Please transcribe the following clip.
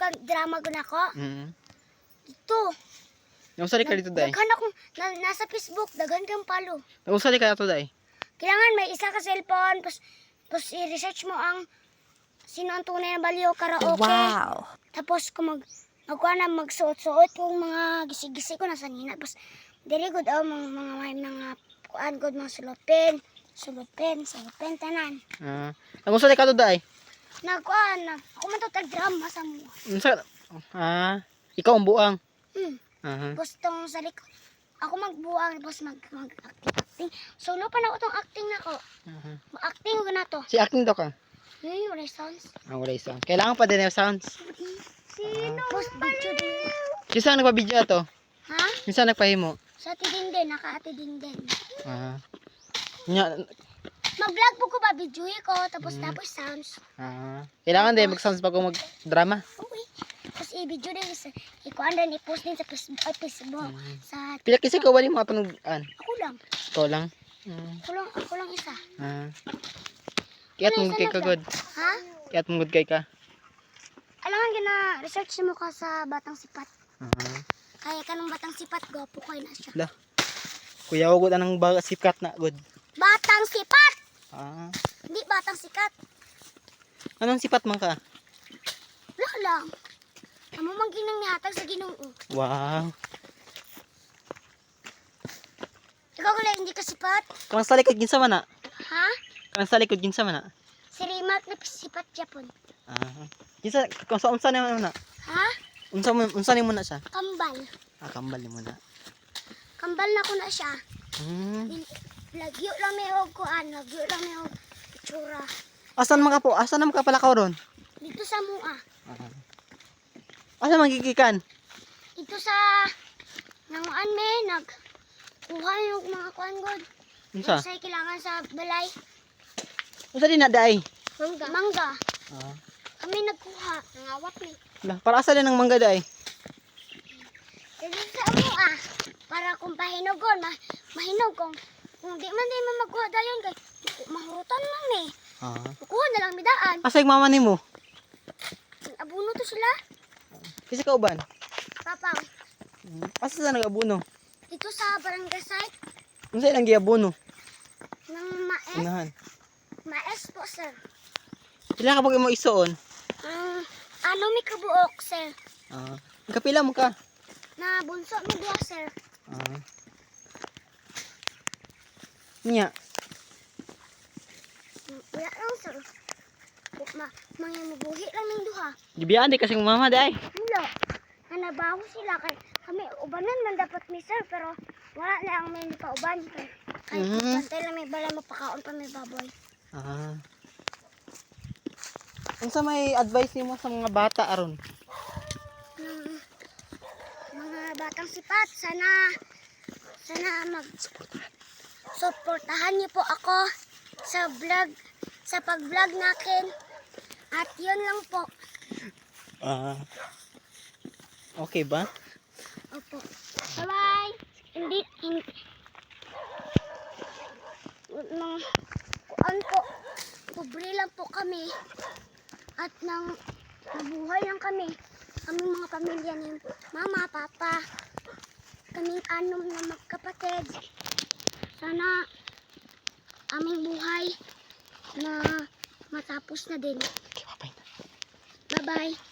kag drama gud ako. Dito. Nausali ka dito, day? Daghan akong nasa Facebook, daghan kang follow. Nausali ka dito, day? Kailangan may isa ka cellphone, tapos i-research mo ang sino ang tunay na baliw karaoke. Wow. Tapos kung magsuot-suot yung mga gisi-gisi ko nasa nina. Tapos dili good mga kuan good mga sulupin, tanan. Nausali ka dito, day? Nagkuan ako man to tag-drama sa mo. Ikaw ang buang. Tapos tong sa likod, ako magbuang tapos mag-acting. Solo pa na ako tong acting na ko. Mag-acting ko na to. Si acting daw ka? Wala sounds. Wala yung sounds. Kailangan pa din yung sounds. Sino? Post video din. Saan nagpa-video to? Ha? Saan nagpahimo? Sa Tidingden, naka-Tidingden. Mag-vlog po ko ba, video ko, tapos sounds. Kailangan din mag-sounds bago mag-drama. Okay. Tapos i-video din, ikuan din, i-post din sa Facebook. Sa... Pila kasi ka wali mga panugan? Ako lang. Ikaw lang? Ako lang isa. Kaya mong kay ka good? Ha? Kaya mong good kay ka? Alangan research mo ka sa Batang Sipat. Kaya ka ng Batang Sipat, gwapo ko na siya. Lah. Kuya ko good anang sikat na good. Batang Sipat! Hindi Batang Sikat. Anong sipat man ka? Wala lang. Amo mang ginang nihatag sa Ginoo. Wow. Ikaw kung hindi ka sipat? Kang sa likod ginsa man na? Ha? Kang sa likod ginsa man na? Si Rimat na sipat Japon. Ginsa kung sa unsa naman na? Ha? Unsa ni mo na siya? Kambal. Kambal ni mo na. Kambal na ko na siya. Lagyo lang may kuan, lagyo lang may itsura. Asan man ka po? Asan naman ka pala ka ron? Dito sa mua. Asan man gigikan? Dito sa nanguan me nagkuha yung mga kuan god. Unsa? Sa kailangan sa balay. Unsa din na day? Mangga. Kami nagkuha, nangawat ni. Lah, para asa din ang mangga day? Dito sa mua. Para kung pahinugon, mahinog kung di man magkuha dayon kay mahurutan man ni. Kuha na lang midaan. Asa yung mama nimo? Abuno to sila. Kisa ka uban? Papang. Asa sa nag-abuno? Dito sa barangay site Unsa ilang giabuno? ng maes. Unahan. Maes po, sir. Pila ka pag mo isuon? Ano may kabuok, sir? Kapila mo ka? Na bunso mo diya, sir. Nya. Wala lang, sir. Mga mabuhi lang ng duha. Gibiyaan di kasi mama day. Wala. Nanabaho sila. Kami ubanan man dapat mi, sir. Pero wala na ang may pauban. Kaya bantay lang may bala mapakaon pa may baboy. Unsa may advice nimo sa mga bata aron? Mga batang sipat, sana suportahan niyo po ako sa pag-vlog natin. At yun lang po. Okay ba? Opo. Bye-bye. Hindi. Kuan po. Pobre lang po kami. At nabuhay lang kami. Kaming mga pamilya ni mama, papa. Kaming anom na magkapatid. Sana aming buhay na matapos na din. Okay, bye-bye. Bye-bye.